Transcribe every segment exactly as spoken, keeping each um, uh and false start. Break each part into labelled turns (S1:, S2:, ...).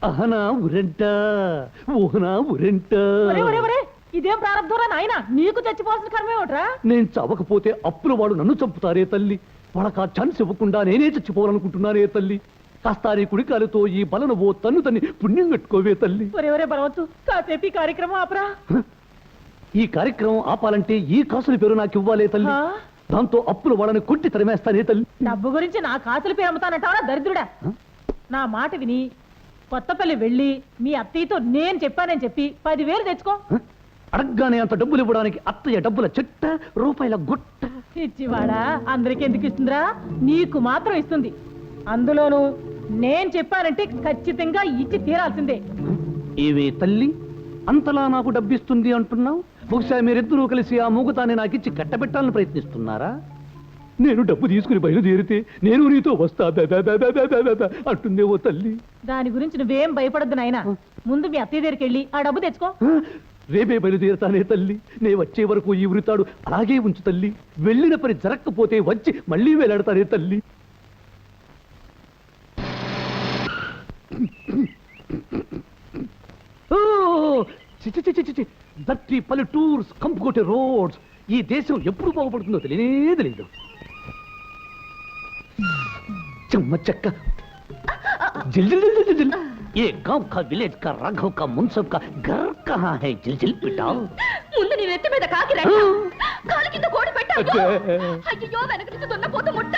S1: అహనా ఉరెంట ఊహనా ఉరెంట.
S2: ఇదేం ప్రారంభంరా నాయన, నీకు చచ్చిపోవాల్సిన కర్మే ఒకట్రా.
S1: నేను చవకపోతే అప్పుల వాడు నన్ను చంపుతారే తల్లి. వాళ్ళకి ఆ ఛాన్స్ ఇవ్వకుండా నేనే చచ్చిపోవాలనుకుంటున్నానే తల్లి. కాస్తారి కుడికాలతో ఈ బలను ఓ తన్ను తన్ని పుణ్యం కట్టుకోవే తల్లి.
S2: ఒరే బలవచ్చు, కాసేపు ఈ కార్యక్రమం ఆపరా.
S1: ఈ కార్యక్రమం ఆపాలంటే ఈ కాసుల పేరు నాకు ఇవ్వాలే తల్లి. దాంతో అప్పుల వాళ్ళని కొట్టి తరిమేస్తానే తల్లి.
S2: డబ్బు గురించి నా కాసుల పేరు అమ్ముతానంటావా దరిద్రుడా? నా మాట విని కొత్తపల్లి వెళ్ళి మీ అత్తయ్యతో నేను చెప్పానని చెప్పి పదివేలు తెచ్చుకో.
S1: అడగ్గానే అంత డబ్బులు ఇవ్వడానికి అత్తయ్య డబ్బుల చెట్ట రూపాయల గుట్ట.
S2: ఇచ్చివాడా అందరికి ఎందుకు ఇస్తుందిరా? నీకు మాత్రం ఇస్తుంది. అందులోను నేను చెప్పానంటే ఖచ్చితంగా ఇచ్చి తీరాల్సిందే.
S1: ఏవే తల్లి, అంతలా నాకు డబ్బిస్తుంది అంటున్నావు? బహుశా మీరిద్దరూ కలిసి ఆ మూగతాన్ని నాకు ఇచ్చి కట్టబెట్టాలని ప్రయత్నిస్తున్నారా? నేను డబ్బు తీసుకుని బయలుదేరితే నేను నీతో వస్తా అంటుందే ఓ తల్లి.
S2: దాని గురించి నువ్వేం భయపడద్దు నాయనా. ముందు మీ అత్తయ్య దగ్గరికి వెళ్ళి ఆ డబ్బు తెచ్చుకో.
S1: రేపే బయలుదేరుతానే తల్లి. నే వచ్చే వరకు ఈ ఉరితాడు అలాగే ఉంచు తల్లి. వెళ్ళిన పని జరగకపోతే వచ్చి మళ్ళీ వేలాడతానే తల్లి. దట్టి పల్లెటూర్స్ కంపుకోటే రోడ్స్. ఈ దేశం ఎప్పుడు బాగుపడుతుందో తెలియనే తెలియదు. చెమ్మ చెక్క जिल जिल जिल जिल जिल ये गांव का विलेज का राघव का मुंसब का घर कहाँ है जिल जिल पिटा
S3: ముందు నీ నెత్తి మీద కాకి రెట్ట కాలి కింద కోడి పెట్టావు అయ్యో వెనక నుంచి దున్నపోతు ముట్ట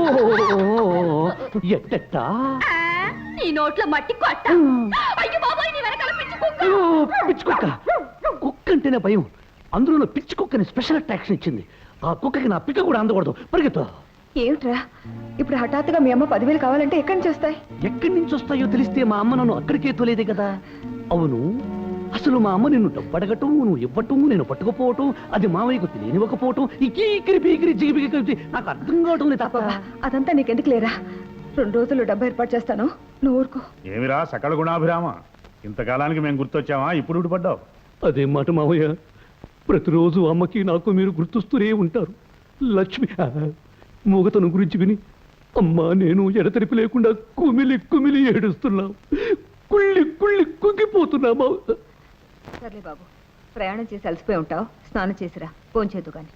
S1: ఎట్టట
S3: నీ నోట్లో మట్టి కొట్ట అయ్యో బాబాయ్ నీ వెనకాల పిచ్చి కుక్క
S1: పిచ్చి కుక్క కుక్క అంటేనే భయం అందులో పిచ్చి కుక్కని స్పెషల్ అట్రాక్షన్ ఇచ్చింది ఆ కుక్కకి నా పిక్క కూడా అందకూడదు పరిగెత్తు
S4: ఏమిట్రా ఇప్పుడు హఠాత్తుగా మీ అమ్మ పదివేలు కావాలంటే ఎక్కడి నుంచి వస్తాయి
S1: ఎక్కడి నుంచి వస్తాయో తెలిస్తే మా అమ్మ నన్ను అక్కడికే తోలేదే కదా అవును అసలు మా అమ్మ నిన్ను డబ్బడగటం నువ్వు ఇవ్వటం నేను పట్టుకుపోవటం అది మావయ్యకు తెలియనివ్వకపోవటం ఇకీకిరి పీకిరి జిగిపిగి కలిపి నాకు అర్థం కావటం లేదు తప్ప
S4: అదంతా నీకెందుకు లేరా రెండు రోజులు డబ్బు ఏర్పాటు చేస్తాను నువ్వు ఊరుకో
S5: ఏమిరా సకల గుణాభిరామ ఇంతకాలానికి మేము గుర్తొచ్చామా ఇప్పుడు ఊడిపడ్డావు
S1: అదే మాట మావయ్య ప్రతిరోజు అమ్మకి నాకు మీరు గుర్తొస్తూనే ఉంటారు లక్ష్మి మూగతను గురించి విని అమ్మా నేను ఎడతెరిపి లేకుండా కుమిలి కుమిలి ఏడుస్తున్నావు కుళ్ళి కుళ్ళి కుంగిపోతున్నామా
S4: సర్లే బాబు ప్రయాణం చేసి అలసిపోయి ఉంటావు స్నానం చేసిరా ఫోన్ చేద్దు కానీ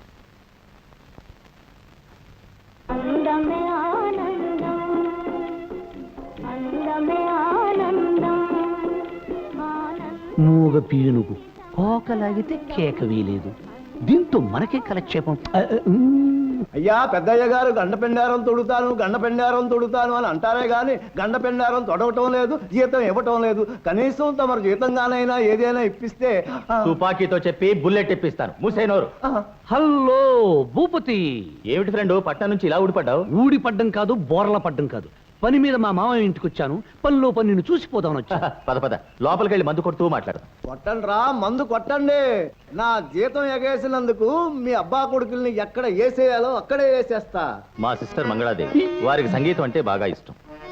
S1: మూగ పీనుగు కోకలాగితే కేక వీలేదు దీంతో మనకే కలక్షేపం
S6: అయ్యా పెద్దయ్య గారు గండ పెండారం తొడుతాను గండ పెండారం తొడుతాను అని అంటారే గాని గండ పెండారం తొడవటం లేదు జీతం ఇవ్వటం లేదు కనీసం తమరు జీతంగానైనా ఏదైనా ఇప్పిస్తే
S7: తుపాకీతో చెప్పి బుల్లెట్ ఇప్పిస్తాను మూసేనోరు
S1: హలో భూపతి
S7: ఏమిటి ఫ్రెండ్ పట్నం నుంచి ఇలా ఊడిపడ్డావు
S1: ఊడి పడ్డం కాదు బోర్ల పడ్డం కాదు పని మీద మా మామయ్య ఇంటికి వచ్చాను పనిలో పని నిన్ను చూసిపోదామని వచ్చా
S7: పద పద లోపలికి వెళ్ళి మందు కొడుతూ మాట్లాడు
S6: కొట్టండి రా మందు కొట్టండి నా జీతం ఎగేసినందుకు మీ అబ్బా కొడుకుల్ని ఎక్కడ వేసేయాలో అక్కడే వేసేస్తా
S7: మా సిస్టర్ మంగళాదేవి వారికి సంగీతం అంటే బాగా ఇష్టం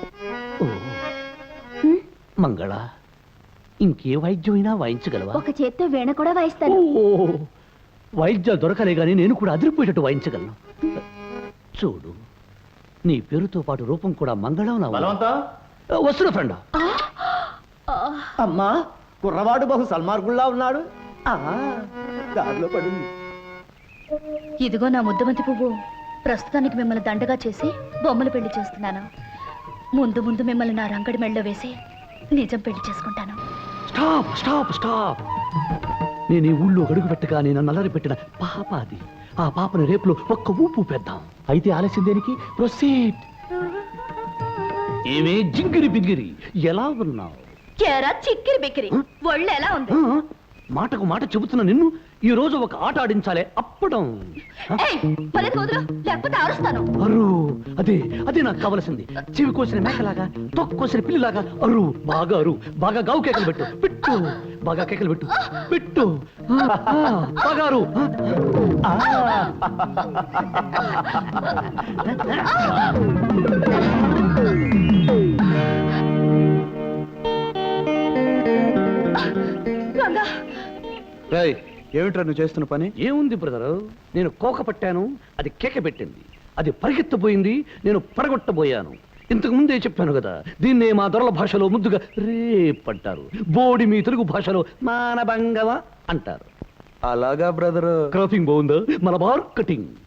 S1: మంగళ ఇంకే వాయిద్యమైనా వాయించగలవా
S3: ఒక చేత్తో వీణ కూడా వాయిస్తాను
S1: వాయిద్యాలు దొరకలే గానీ నేను కూడా అదిరిపోయేటట్టు వాయించగలను చూడు నీ పేరుతో పాటు రూపం కూడా మంగళం వస్తున్న ఫ్రెండ్
S6: అమ్మా కుర్రవాడు బహు సల్మార్గుల్లా ఉన్నాడు దారిలో పడింది
S3: ఇదిగో నా ముద్దమంతి పువ్వు ప్రస్తుతానికి మిమ్మల్ని దండగా చేసి బొమ్మలు పెళ్లి చేస్తున్నాను ముందు ముందు మిమ్మల్ని నా రంగడి మెళ్ళలో వేసి నిజం పెళ్లి చేసుకుంటాను
S1: స్టాప్ స్టాప్ స్టాప్ నేను ఈ ఊళ్ళో అడుగు పెట్టగా నేను నల్లరి పెట్టిన పాప అది ఆ పాపని రేపులో ఒక్క ఊపు పెద్దాం అయితే ఆలస్యం దేనికి ప్రొసీడ్ ఏమే జింగిరి బింగిరి ఎలా ఉన్నావు
S3: చిక్కిరి బిక్కిరి ఒళ్ళు ఎలా ఉంది
S1: మాటకు మాట చెబుతున్న నిన్ను ఈ రోజు ఒక ఆట ఆడించాలే అప్పడం
S3: లేకపోతే అరుస్తాను
S1: అరు అదే అదే నాకు కావలసింది చెవి కోసిన మేకలాగా తొక్కు కోసిన పిల్లిలాగా అరు బాగా అరు బాగా గావు కేకలు పెట్టు పెట్టు బాగా కేకలు పెట్టు పెట్టు బాగా అరు
S6: ఏమిట్రా నువ్వు చేస్తున్న పని
S1: ఏముంది బ్రదరు నేను కోక పట్టాను అది కేక పెట్టింది అది పరిగెత్తబోయింది నేను పడగొట్టబోయాను ఇంతకు ముందే చెప్పాను కదా దీన్నే మా దొరల భాషలో ముద్దుగా రేప్ అంటారు. బోడి మీ తెలుగు భాషలో మానభంగవ అంటారు.
S6: అలాగా బ్రదరు.
S1: క్రాపింగ్ బాగుందా? మలబార్ కటింగ్.